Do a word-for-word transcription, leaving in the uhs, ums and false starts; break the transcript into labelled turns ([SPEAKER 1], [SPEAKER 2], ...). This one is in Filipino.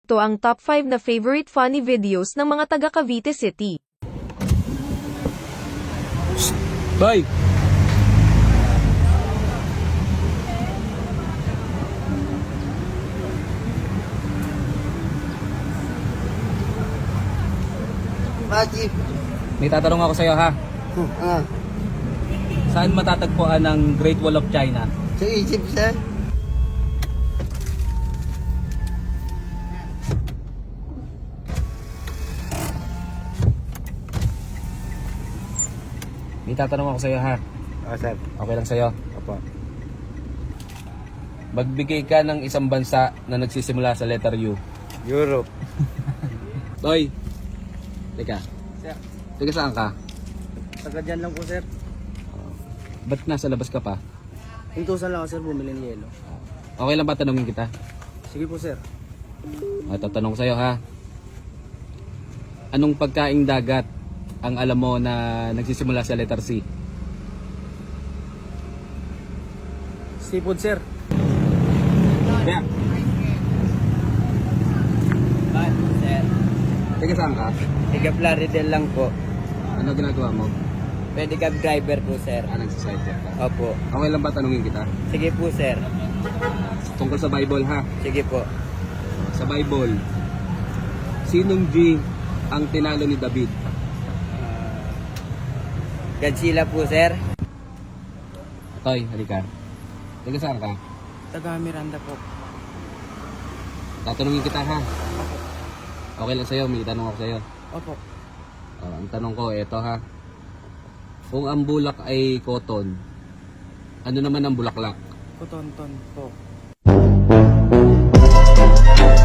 [SPEAKER 1] Ito ang top five na favorite funny videos ng mga taga Cavite City.
[SPEAKER 2] Boy!
[SPEAKER 3] Bakit?
[SPEAKER 2] May tatanong ako sa'yo ha.
[SPEAKER 3] Ah,
[SPEAKER 2] Saan matatagpuan ang Great Wall of China?
[SPEAKER 3] sa Egypt, sir?
[SPEAKER 2] May tatanong ako sa'yo ha.
[SPEAKER 3] Ah, sir.
[SPEAKER 2] Okay lang sa'yo.
[SPEAKER 3] Opo.
[SPEAKER 2] Magbigay ka ng isang bansa na nagsisimula sa letter U.
[SPEAKER 3] Europe.
[SPEAKER 2] Boy! Teka.
[SPEAKER 3] Sir,
[SPEAKER 2] Teka saan ka?
[SPEAKER 3] taga dyan lang po, sir.
[SPEAKER 2] Ba't nasa labas ka pa?
[SPEAKER 3] Intusan lang ako, sir, bumili ng yelo.
[SPEAKER 2] Okay lang ba tanungin kita?
[SPEAKER 3] Sige po, sir.
[SPEAKER 2] At tatanong ko sa'yo ha. Anong pagkaing dagat ang alam mo na nagsisimula sa letter C?
[SPEAKER 3] Seafood, sir.
[SPEAKER 2] Kaya,
[SPEAKER 3] Bakit, sir?
[SPEAKER 2] teka saan ka?
[SPEAKER 3] Tiga Plaridel lang po.
[SPEAKER 2] Ano ginagawa mo?
[SPEAKER 3] Pwede cab driver po, sir.
[SPEAKER 2] Ah, nagsisidewalk ka.
[SPEAKER 3] Opo.
[SPEAKER 2] Okay lang ba tanungin kita?
[SPEAKER 3] Sige po, sir.
[SPEAKER 2] Tungkol sa Bible ha.
[SPEAKER 3] Sige po.
[SPEAKER 2] Sa Bible, sinong G ang tinalo ni David?
[SPEAKER 3] Godzilla po, sir.
[SPEAKER 2] Toy, halika. Teka saan ka?
[SPEAKER 3] Taga Miranda po.
[SPEAKER 2] Tatanungin kita ha. Okay lang sa'yo, may tanong ako sa'yo.
[SPEAKER 3] Opo.
[SPEAKER 2] Oh, ang tanong ko, eto ha. Kung ang bulak ay cotton, ano naman ang bulaklak?
[SPEAKER 3] Kutonton po.